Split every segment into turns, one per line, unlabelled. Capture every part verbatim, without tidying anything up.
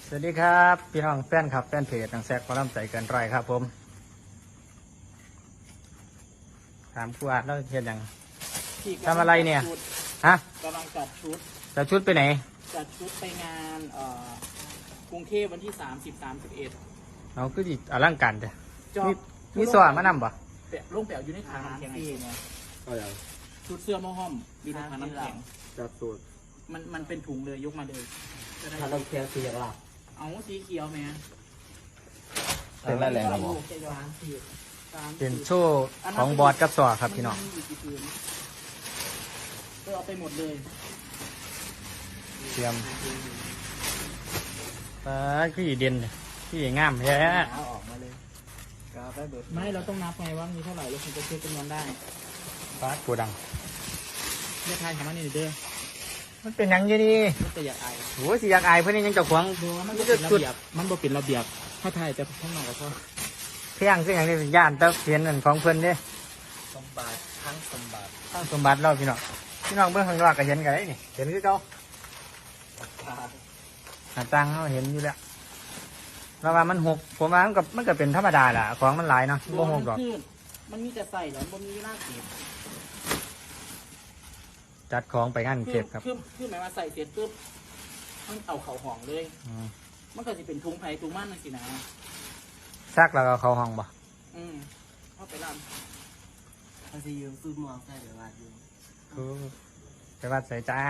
สวัสดีครับพี่น้องแฟนครับแฟนเพจนังแซกพลัมใจเกินไรครับผมถามครูอาร์ตแล้วเห็นยังทำอะไรเนี่ยฮะ
กำลังจัดชุด
จะชุดไปไหน
จัดชุดไปงานเอ่อกรุงเทพวันที่สามสิบสามสิบเอ็ด
เราคือดิอลังการจ้ะ
จอ
มี
บ
มีสว่านมานำปะ
เปะลงแปะอยู่ในถังน้ำแข็งไง
ก็อย่าง
ชุดเสื้อหม้อห้อมมีในถังน้ำแข็ง
จัดสูตร
มันมันเป็นถุงเลยยกมาเลยจะได้
ถ้าเราแค่เสียหลัก
เอาสีเขียวไหม
เป็นอะไรแรงครับผม
จะย้อนสีสาม
เป็นโชว์ของบอสกับสวครับพี่น้อง
มัมียู่กี่ผืนก็เอาไปหมดเลย
เตรียมปลาขี้เด่นขี้งามแท้
เอาออกมาเลยกาไปเบิด
ไม่เราต้องนับไงว่ามีเท่าไหร่เราถึงจะเช็คจำนวนได้
ปลากูดัง
เรียกทายของมันนี่เด้อ
มันเป็นหยังอยี่นี่
มันจะอยากอาย
โหสิอยากอายเพื่อนนี่ยังเจ้าของ
ดูมันบ่เป็นระเบียบมันบ่เป็นระเบียบถ้าไทยแต่ข้างนอกก็พอ
เพียงคืออย่างนี้เป็นย่านเต้าเพียนนั่นของเพื่อนเด้
สมบัติทั้งสมบัติ
ตั้งสมบัติเราพี่น้องพี่น้องเบื้องข้างนอกก็เห็นกันได้นี่เห็นคือเขาหาตังเขาเห็นอยู่แล้วเราว่ามันหกผมว่ามันก็มันก็เป็นธรรมดาแหละของมันหลายเนาะบ่หกดอก
ขึ้นมันมีแต่ใส่แล้วมันมีหน้าเก็บ
จัดของไปงานเก็บครับ
คือคือหมายว่าใส่เสร็จปุ๊บมันเอาเข่าห่องเลย
อืม
มันก็จะเป็นทุงไผ่ทุงมันนั่นสินะ
ซักแล้วก็เข้าห้องบ่
อืมเข้าไปร
ถ้าซียืมสูตรมองใส่เดี๋ยววาดอยู่
ไปวัดสายจ้า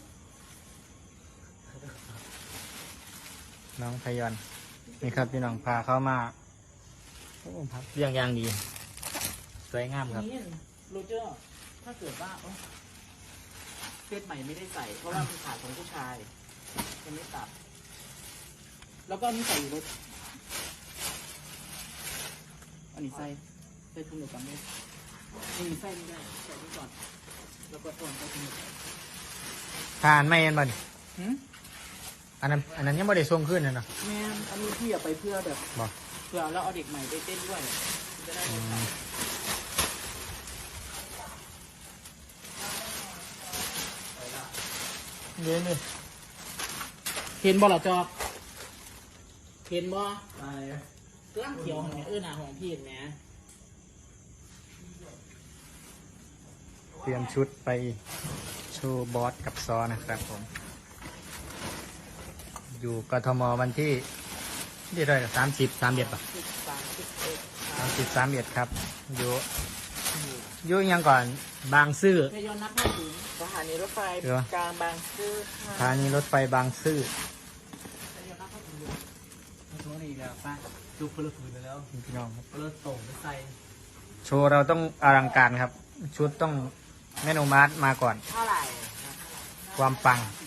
น้องพยอนนี่ครับพี่น้องพาเข้ามาโอ้พักเรียงยางดีสวยงาม
ำ
ครับ
นี่โรเจอร์ถ้าเกิดว่าเอ้าเซตใหม่ไม่ได้ใส่ เพราะว่ามันขาดของผู้ชายยังไม่ตัด แล้วก็อันนี้ใส่อยู่รถอันนี้ใส่ใส่ถุงเดียวกันไหมนี่ใส่ไม่ได้ใส่ไว้ก่อนแล้วก็ต้นใส่ถุงเดียวกัน
ทานไม่เห็นบ่นี่
หืม
อันนั้นอันนั้นยังไม่ได้ส่งขึ้นเลยเนาะ
แม่นอันนี้พี่อยากไปเพื่อแบบ
บ่
เพื่อแล้วเอาเด็กใหม่ไปเต้นด้วยจะได้
อื
ไม่
ม
ขาด
เย็นเลย
เห็นบ่ล่ะจอบเห็นบ่
อะไร
กล้ามเขียวของเนี่ยเออหนาของพี่เห็นไหม
เตรียมชุดไปโชว์บอสกับซอนะครับผม อยู่กทมวันที่ที่เท่าไหร่สามสิบสามเอ็ดป่ะ
สิบสามสิบเอ็ด
สามสิบสามเอ็ดครับ อยู่อยู่ยังก่อนบางซื่อ
พยอนนับให้ถึงสถานีรถไฟ
เดี๋ยว
กลางบางซื่อ
สถานีรถไฟบางซื่อ
พยอนนับให้ถึง
ช่วงนี้แล้วป้าดูเพลิดเพลินไปแล้ว
พี่น้องครับ
เพลิดโต่งไปใส่
โชว์เราต้องอลังการครับ ชุดต้องแม่นมาร์มาก่อน
เท่าไหร่
ความปัง
ร